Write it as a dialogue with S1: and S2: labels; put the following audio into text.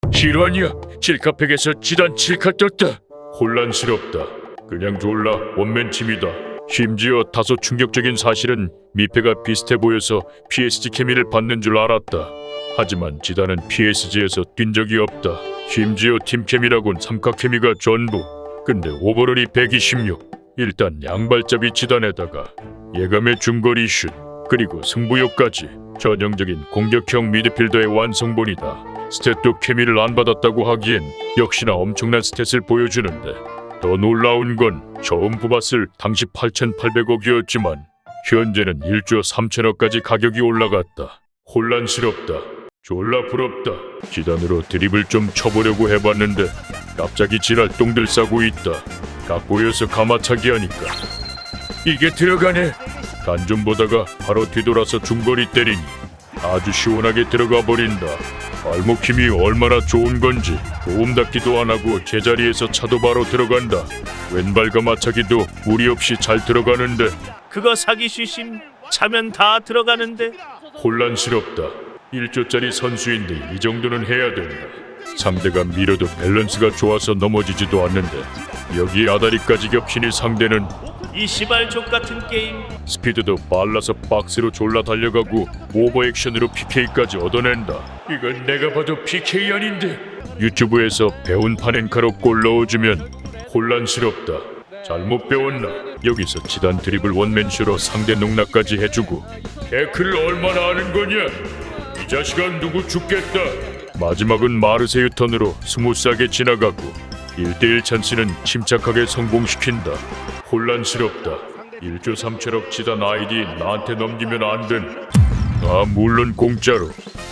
S1: 실화냐? 칠카팩에서 지단 칠카 떴다. 혼란스럽다. 그냥 졸라 원맨침이다. 심지어 다소 충격적인 사실은 미패가 비슷해 보여서 PSG 케미를 받는 줄 알았다. 하지만 지단은 PSG에서 뛴 적이 없다. 심지어 팀 케미라곤 삼각 케미가 전부. 근데 오버롤이 126. 일단 양발잡이 지단에다가 예감의 중거리 슛 그리고 승부욕까지 전형적인 공격형 미드필더의 완성본이다. 스탯도 케미를 안 받았다고 하기엔 역시나 엄청난 스탯을 보여주는데 더 놀라운 건 처음 뽑았을 당시 8,800억이었지만 현재는 1조 3천억까지 가격이 올라갔다. 혼란스럽다. 졸라 부럽다. 지단으로 드립을 좀 쳐보려고 해봤는데 갑자기 지랄 똥들 싸고 있다. 각 보여서 가마차기 하니까 이게 들어가네. 간 좀 보다가 바로 뒤돌아서 중거리 때리니 아주 시원하게 들어가 버린다. 발목 힘이 얼마나 좋은 건지 도움 닫기도 안 하고 제자리에서 차도 바로 들어간다. 왼발 가마차기도 무리 없이 잘 들어가는데
S2: 그거 사기 쉬심 차면 다 들어가는데.
S1: 혼란스럽다. 1조짜리 선수인데 이 정도는 해야 된다. 상대가 밀어도 밸런스가 좋아서 넘어지지도 않는데 여기 아다리까지 겹치니 상대는
S2: 이 시발 족같은 게임.
S1: 스피드도 빨라서 박스로 졸라 달려가고 오버액션으로 PK까지 얻어낸다. 이건 내가 봐도 PK 아닌데. 유튜브에서 배운 파넨카로 골 넣어주면 혼란스럽다. 잘못 배웠나? 여기서 지단 드리블 원맨쇼로 상대 농락까지 해주고 태클을 얼마나 아는 거냐? 이 자식아 누구 죽겠다. 마지막은 마르세유 턴으로 스무스하게 지나가고 1대1 찬스는 침착하게 성공시킨다. 혼란스럽다. 1조 3천억 지단 아이디 나한테 넘기면 안 된. 아 물론 공짜로.